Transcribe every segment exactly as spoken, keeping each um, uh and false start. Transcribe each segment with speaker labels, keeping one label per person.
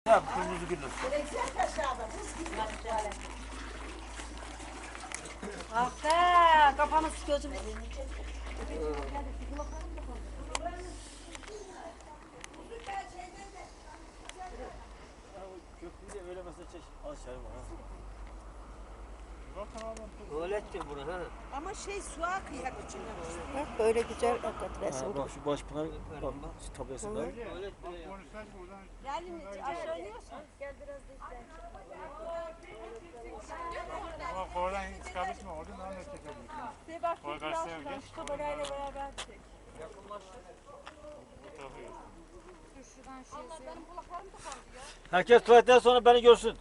Speaker 1: Ya kırmızı gülüm.
Speaker 2: Ah be, kafamız gözümüz.
Speaker 1: Köprüyü de böyle mesela çeş. Aşağı var.
Speaker 3: Öyle ettim bunu ha.
Speaker 4: Ama şey su akıyor içine.
Speaker 2: Bak böyle güzel akat resim.
Speaker 1: Ha, bak şu Başpınar bak şu tablasında.
Speaker 3: Öyle ettim ya.
Speaker 4: Yani aşağı iniyorsun. Gel biraz da işte.
Speaker 5: Ama oradan çıkarmış mı? Oradan daha net çekebilirsin.
Speaker 4: Bir bak
Speaker 5: Koy
Speaker 4: biraz
Speaker 5: karşıya
Speaker 4: şuradan
Speaker 5: geç.
Speaker 4: şu kamerayla beraber çek.
Speaker 5: Bu tarafa geç.
Speaker 1: Herkes tuvaletten sonra beni görsün.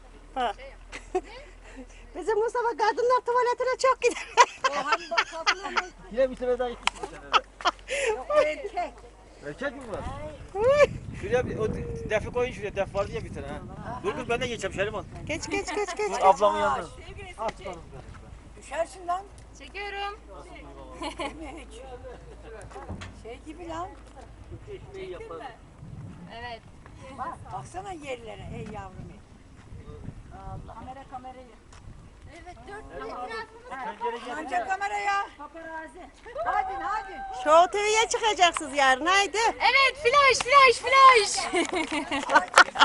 Speaker 2: Bizim Mustafa kadınlar tuvaletine çok gider.
Speaker 4: O hani bak kapıya mı?
Speaker 1: Yine bir sene daha gittik bu sene de.
Speaker 4: Yok o erkek.
Speaker 1: Erkek mi var? Şuraya bir, o defi koyun şuraya. Def vardı ya bir tane ha. Dur dur ben de geçeceğim Şeriman.
Speaker 2: Geç geç geç geç.
Speaker 1: Dur ablamın yanına.
Speaker 4: Sevgili düşersin lan.
Speaker 6: Çekiyorum.
Speaker 4: Hiç. Şey gibi lan.
Speaker 3: Ekmeği yaparım.
Speaker 6: Evet.
Speaker 4: Bak, baksana yerlere ey yavrum. Allah. Kamera kamerayı.
Speaker 6: Evet dört
Speaker 1: Pencere gel.
Speaker 4: Önce kameraya. Paparazzi. Hadi hadi.
Speaker 2: Show T V'ye çıkacaksınız yarın haydi.
Speaker 6: Evet flash flash flash.